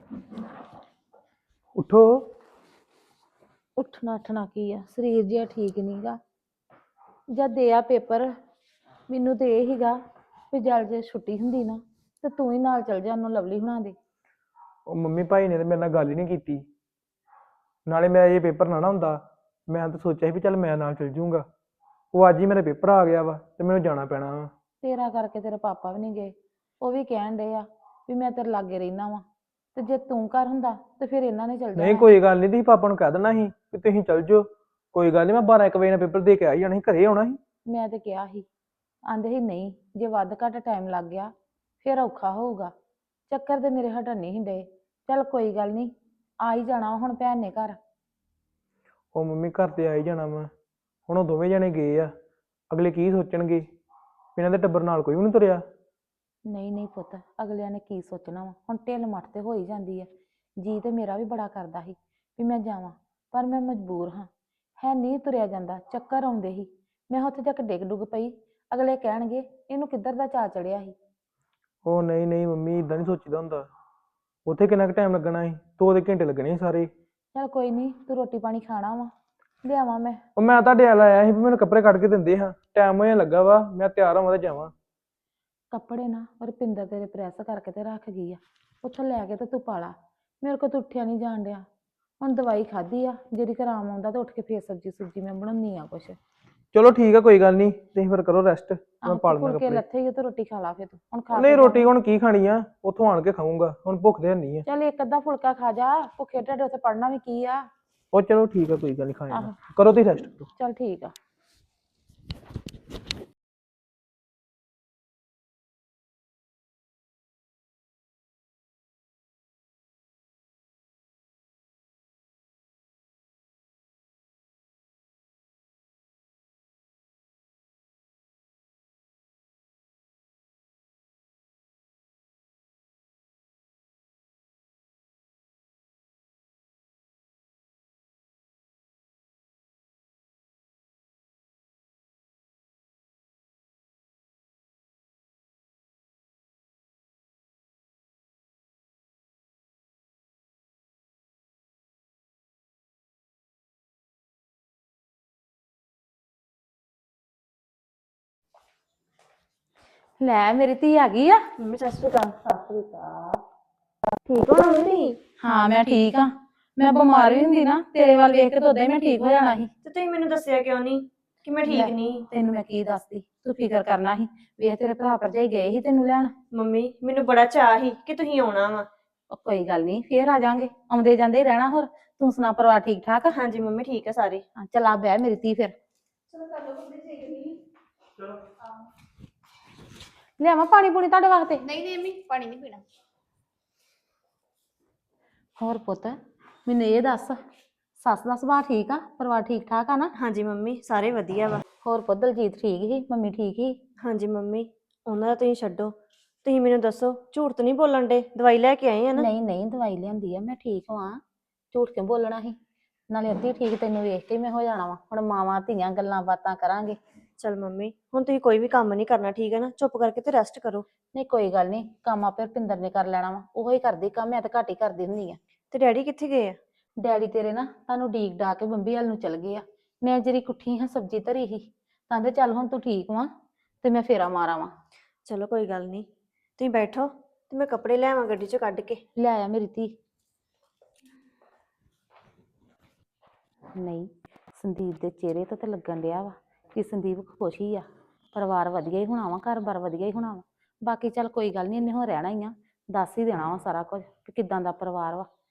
ਉੱਠੋ। ਉੱਠਣਾ ਉੱਠਣਾ ਕੀ ਆ, ਸਰੀਰ ਜਿਹਾ ਠੀਕ ਨਹੀਂਗਾ। ਜਦ ਦੇ ਆ ਪੇਪਰ, ਮੈਨੂੰ ਤੇ ਇਹ ਹੀਗਾ ਵੀ ਜਲ ਜੇ ਛੁੱਟੀ ਹੁੰਦੀ ਨਾ ਤੇ ਤੂੰ ਹੀ ਨਾਲ ਚਲ ਜਾ ਉਹਨੂੰ ਲਵਲੀ ਹੁਣਾਂ ਦੇ। ਉਹ ਮੰਮੀ ਭਾਈ ਨੇ ਤੇ ਮੇਰੇ ਨਾਲ ਗੱਲ ਹੀ ਨਹੀਂ ਕੀਤੀ। ਨਾਲੇ ਮੇਰਾ ਇਹ ਪੇਪਰ ਨਾ ਹੁੰਦਾ, ਮੈਂ ਤਾਂ ਸੋਚਿਆ ਸੀ ਵੀ ਚੱਲ ਮੈਂ ਨਾਲ ਚਲ ਜੂੰਗਾ। ਉਹ ਅੱਜ ਹੀ ਮੇਰਾ ਪੇਪਰ ਆ ਗਿਆ ਵਾ ਤੇ ਮੈਨੂੰ ਜਾਣਾ ਪੈਣਾ ਵਾ। ਤੇਰਾ ਕਰਕੇ ਤੇਰੇ ਪਾਪਾ ਵੀ ਨਹੀਂ ਗਏ, ਉਹ ਵੀ ਕਹਿਣ ਡਏ ਆ ਵੀ ਮੈਂ ਤੇਰੇ ਲਾਗੇ ਰਹਿਣਾ ਵਾਂ, ਤੇ ਜੇ ਤੂੰ ਘਰ ਹੁੰਦਾ ਤੇ ਫਿਰ ਇਹਨਾਂ ਨੇ ਚਲ ਨਹੀਂ ਜਾਣਾ। ਕੋਈ ਗੱਲ ਨਹੀਂ, ਤੁਸੀਂ ਪਾਪਾ ਨੂੰ ਕਹਿ ਦੇਣਾ ਸੀ ਕਿ ਤੁਸੀਂ ਚੱਲ ਜਾਓ। ਕੋਈ ਗੱਲ ਨਹੀਂ, ਮੈਂ 12-1 ਵਜੇ ਨਾਲ ਪੇਪਰ ਦੇ ਕੇ ਆ ਹੀ ਜਾਣਾ ਸੀ, ਘਰੇ ਆਉਣਾ ਸੀ। ਮੈਂ ਤੇ ਕਿਹਾ ਸੀ, ਆਂਦੇ ਸੀ ਨਹੀਂ ਜੇ ਵੱਧ ਘੱਟ ਟਾਈਮ ਲੱਗ ਗਿਆ ਫਿਰ ਔਖਾ ਹੋਊਗਾ। ਚੱਕਰ ਤੇ ਮੇਰੇ ਹਟਣ ਨਹੀਂ ਸੀ ਡਏ। ਚੱਲ ਕੋਈ ਗੱਲ ਨਹੀਂ, ਆ ਹੀ ਜਾਣਾ ਹੁਣ ਭੈਣ ਨੇ ਘਰ। ਉਹ ਮੰਮੀ ਘਰ ਤੇ ਆ ਹੀ ਜਾਣਾ ਵਾ, ਹੁਣ ਉਹ ਦੋਵੇਂ ਜਣੇ ਗਏ ਆ, ਅਗਲੇ ਕੀ ਸੋਚਣਗੇ ਵੀ ਇਹਨਾਂ ਦੇ ਟੱਬਰ ਨਾਲ ਕੋਈ ਵੀ ਨਹੀਂ ਤੁਰਿਆ। ਨਹੀਂ ਨਹੀਂ ਪੁੱਤ, ਅਗਲਿਆਂ ਨੇ ਕੀ ਸੋਚਣਾ ਵਾ, ਹੁਣ ਢਿੱਲ ਮੱਠ ਤੇ ਹੋ ਹੀ ਜਾਂਦੀ ਹੈ। ਜੀ ਤੇ ਮੇਰਾ ਵੀ ਬੜਾ ਕਰਦਾ ਸੀ ਵੀ ਮੈਂ ਜਾਵਾਂ, ਪਰ ਮੈਂ ਮਜਬੂਰ ਹਾਂ, ਹੈ ਨਹੀਂ ਤੁਰਿਆ ਜਾਂਦਾ, ਚੱਕਰ ਆਉਂਦੇ ਸੀ। ਮੈਂ ਉੱਥੇ ਜਾ ਕੇ ਡਿੱਗ ਡੁੱਗ ਪਈ, ਅਗਲੇ ਕਹਿਣਗੇ ਇਹਨੂੰ ਕਿੱਧਰ ਦਾ ਚਾਅ ਚੜਿਆ ਸੀ। ਉਹ ਨਹੀਂ ਨਹੀਂ ਮੰਮੀ, ਇਦਾਂ ਨਹੀਂ ਸੋਚੀਦਾ ਹੁੰਦਾ। ਉੱਥੇ ਕਿੰਨਾ ਕੁ ਟਾਈਮ ਲੱਗਣਾ ਸੀ? 2 ਘੰਟੇ ਲੱਗਣੇ ਸੀ ਸਾਰੇ। ਚੱਲ ਕੋਈ ਨਹੀਂ, ਤੂੰ ਰੋਟੀ ਪਾਣੀ ਖਾਣਾ ਵਾ, ਲਿਆਵਾਂ ਮੈਂ? ਉਹ ਮੈਂ ਤੁਹਾਡੇ ਵੱਲ ਆਇਆ ਸੀ ਵੀ ਮੈਨੂੰ ਕੱਪੜੇ ਕੱਢ ਕੇ ਦਿੰਦੇ ਹਾਂ, ਟਾਈਮ ਹੋਇਆ ਲੱਗਾ ਵਾ, ਮੈਂ ਤਿਆਰ ਹੋਵਾਂ ਤੇ ਜਾਵਾਂ। ਕੱਪੜੇ ਨਾ ਰੁਪਿੰਦਰ ਤੇਰੇ ਪ੍ਰੈਸ ਕਰਕੇ ਤੇ ਰੱਖ ਗਈ ਆ, ਉੱਥੋਂ ਲੈ ਕੇ ਤੇ ਤੂੰ ਪਾ ਲਾ। ਮੇਰੇ ਕੋਲ ਤਾਂ ਉੱਠਿਆ ਨਹੀਂ ਜਾਣ ਡਿਆ। ਹੁਣ ਦਵਾਈ ਖਾਧੀ ਆ, ਜਿਹੜੀ ਆਰਾਮ ਆਉਂਦਾ ਤਾਂ ਉੱਠ ਕੇ ਫੇਰ ਸਬਜ਼ੀ ਸੁਬਜ਼ੀ ਮੈਂ ਬਣਾਉਣੀ ਆ ਕੁਛ। ਚਲੋ ਠੀਕ ਆ, ਕੋਈ ਗੱਲ ਨਹੀਂ, ਤੁਸੀਂ ਫਿਰ ਕਰੋ ਰੈਸਟ, ਮੈਂ ਆਹ ਪਾ ਲੈਂਦਾ ਫੁਲਕੇ ਕੱਪੜੇ। ਲੱਥੇ ਹੀ ਆ ਤੇ ਰੋਟੀ ਖਾ ਲਾ ਫਿਰ ਤੂੰ, ਹੁਣ ਖਾ ਨਹੀਂ ਕੇ ਰੋਟੀ ਜਾਵਾਂ। ਹੁਣ ਕੀ ਖਾਣੀ ਆ, ਉੱਥੋਂ ਆਣ ਕੇ ਖਾਊਂਗਾ, ਹੁਣ ਭੁੱਖ ਤੇ ਨਹੀਂ ਆ। ਚੱਲ ਇੱਕ ਅੱਧਾ ਫੁਲਕਾ ਖਾ ਜਾ, ਭੁੱਖੇ ਢਿੱਡ ਉੱਥੇ ਪੜਨਾ ਵੀ ਕੀ ਆ। ਉਹ ਚਲੋ ਠੀਕ ਆ, ਕੋਈ ਗੱਲ ਨਹੀਂ, ਖਾ ਜਾਣਾ। ਆਹੋ। ਕਰੋ ਤੁਸੀਂ ਰੈਸਟ ਕਰੋ। ਚੱਲ ਠੀਕ ਆ। ਲੈ ਮੇਰੀ ਧੀ ਆ ਗਈ ਆ। ਮੰਮੀ ਸਤਿ ਸ਼੍ਰੀ ਅਕਾਲ। ਠੀਕ ਹੋ ਮੰਮੀ? ਹਾਂ ਮੈਂ ਠੀਕ ਆ। ਮੈਂ ਬਿਮਾਰ ਵੀ ਹੁੰਦੀ ਨਾ ਤੇਰੇ ਵੱਲ ਵੇਖ ਕੇ ਤਾਂ ਉਦਾਂ ਹੀ ਮੈਂ ਠੀਕ ਹੋ ਜਾਣਾ ਸੀ। ਤੇ ਤੁਸੀਂ ਮੈਨੂੰ ਦੱਸਿਆ ਕਿਉਂ ਨਹੀਂ ਕਿ ਮੈਂ ਠੀਕ ਲੈ, ਨਹੀਂ? ਤੈਨੂੰ ਮੈਂ ਕੀ ਦੱਸਦੀ, ਤੂੰ ਫਿਕਰ ਕਰਨਾ ਸੀ। ਵੇਖ ਤੇਰੇ ਭਰਾ ਭਰਜਾਈ ਗਏ ਸੀ ਤੈਨੂੰ ਲੈਣ। ਮੰਮੀ ਮੈਨੂੰ ਬੜਾ ਚਾਅ ਸੀ ਕਿ ਤੁਸੀਂ ਆਉਣਾ ਵਾ। ਉਹ ਕੋਈ ਗੱਲ ਨਹੀਂ, ਫੇਰ ਆ ਜਾਾਂਗੇ, ਆਉਂਦੇ ਜਾਂਦੇ ਹੀ ਰਹਿਣਾ। ਹੋਰ ਤੂੰ ਸੁਣਾ, ਪਰਿਵਾਰ ਠੀਕ ਠਾਕ ਆ? ਹਾਂਜੀ ਮੰਮੀ ਠੀਕ ਆ ਸਾਰੇ। ਹਾਂ, ਚੱਲ ਆ ਬਹਿ ਮੇਰੀ ਧੀ ਫਿਰ। ਲਿਆਵਾਂ ਪਾਣੀ ਪੂਣੀ ਤੁਹਾਡੇ ਵਾਸਤੇ? ਨਹੀਂ ਨਹੀਂ ਮੰਮੀ, ਪਾਣੀ ਨਹੀਂ ਪੀਣਾ। ਹੋਰ ਪੁੱਤ ਮੈਨੂੰ ਇਹ ਦੱਸ, ਸੱਸ ਦਾ ਸੁਭਾਅ ਠੀਕ ਆ, ਪਰਿਵਾਰ ਠੀਕ ਠਾਕ ਆ ਨਾ? ਹਾਂਜੀ ਮੰਮੀ ਸਾਰੇ ਵਧੀਆ ਵਾ। ਹੋਰ ਪੁੱਤ ਦਲਜੀਤ ਠੀਕ ਸੀ, ਮੰਮੀ ਠੀਕ ਸੀ? ਹਾਂਜੀ ਮੰਮੀ, ਉਹਨਾਂ ਦਾ ਤੁਸੀਂ ਛੱਡੋ, ਤੁਸੀਂ ਮੈਨੂੰ ਦੱਸੋ, ਝੂਠ ਤਾਂ ਨਹੀਂ ਬੋਲਣ ਡੇ? ਦਵਾਈ ਲੈ ਕੇ ਆਏ ਆ ਨਾ? ਨਹੀਂ ਨਹੀਂ, ਦਵਾਈ ਲਿਆਂਦੀ ਆ, ਮੈਂ ਠੀਕ ਹਾਂ। ਝੂਠ ਕਿਉਂ ਬੋਲਣਾ ਸੀ? ਨਾਲੇ ਅੱਧੀ ਠੀਕ ਤੈਨੂੰ ਵੇਖ ਕੇ ਹੀ ਮੈਂ ਹੋ ਜਾਣਾ ਵਾ। ਹੁਣ ਮਾਵਾਂ ਧੀਆਂ ਗੱਲਾਂ ਬਾਤਾਂ ਕਰਾਂਗੇ। ਚਲ ਮੰਮੀ, ਹੁਣ ਤੁਸੀਂ ਕੋਈ ਵੀ ਕੰਮ ਨਹੀਂ ਕਰਨਾ, ਠੀਕ ਹੈ ਨਾ? ਚੁੱਪ ਕਰਕੇ ਤੇ ਰੈਸਟ ਕਰੋ। ਨਹੀਂ ਕੋਈ ਗੱਲ ਨਹੀਂ, ਕੰਮ ਆਪੇ ਰੁਪਿੰਦਰ ਨੇ ਕਰ ਲੈਣਾ ਵਾ, ਉਹੋ ਹੀ ਕਰਦੀ ਕੰਮ, ਮੈਂ ਤਾਂ ਘੱਟ ਹੀ ਕਰਦੀ ਹੁੰਦੀ ਆ। ਤੇ ਡੈਡੀ ਕਿੱਥੇ ਗਏ ਆ? ਡੈਡੀ ਤੇਰੇ ਨਾ ਤੁਹਾਨੂੰ ਡੀਕ ਡਾ ਕੇ ਬੰਬੀ ਵੱਲ ਨੂੰ ਚਲ ਗਏ ਆ। ਮੈਂ ਜਿਹੜੀ ਕੁੱਠੀ ਹਾਂ ਸਬਜ਼ੀ ਧਰੀ ਸੀ, ਕਹਿੰਦੇ ਚੱਲ ਹੁਣ ਤੂੰ ਠੀਕ ਵਾਂ ਤੇ ਮੈਂ ਫੇਰਾ ਮਾਰਾਂ ਵਾਂ। ਚਲੋ ਕੋਈ ਗੱਲ ਨਹੀਂ, ਤੁਸੀਂ ਬੈਠੋ ਤੇ ਮੈਂ ਕੱਪੜੇ ਲੈ ਆਵਾਂ ਗੱਡੀ ਚੋਂ ਕੱਢ ਕੇ। ਲੈ ਆ ਮੇਰੀ ਧੀ। ਨਹੀਂ, ਸੰਦੀਪ ਦੇ ਚਿਹਰੇ ਤੋਂ ਤਾਂ ਲੱਗਣ ਡਿਆ ਵਾ ਕਿ ਸੰਦੀਪ ਖੁਸ਼ ਹੀ ਆ। ਪਰਿਵਾਰ ਵਧੀਆ ਹੀ ਹੋਣਾ ਵਾ, ਘਰ-ਬਾਰ ਵਧੀਆ ਹੀ ਹੋਣਾ ਵਾ। ਬਾਕੀ ਚੱਲ ਕੋਈ ਗੱਲ ਨਹੀਂ, ਇਹਨੇ ਹੁਣ ਰਹਿਣਾ ਹੀ ਆ, ਦੱਸ ਹੀ ਦੇਣਾ ਵਾ ਸਾਰਾ ਕੁਝ ਕਿ ਕਿੱਦਾਂ ਦਾ ਪਰਿਵਾਰ ਵਾ।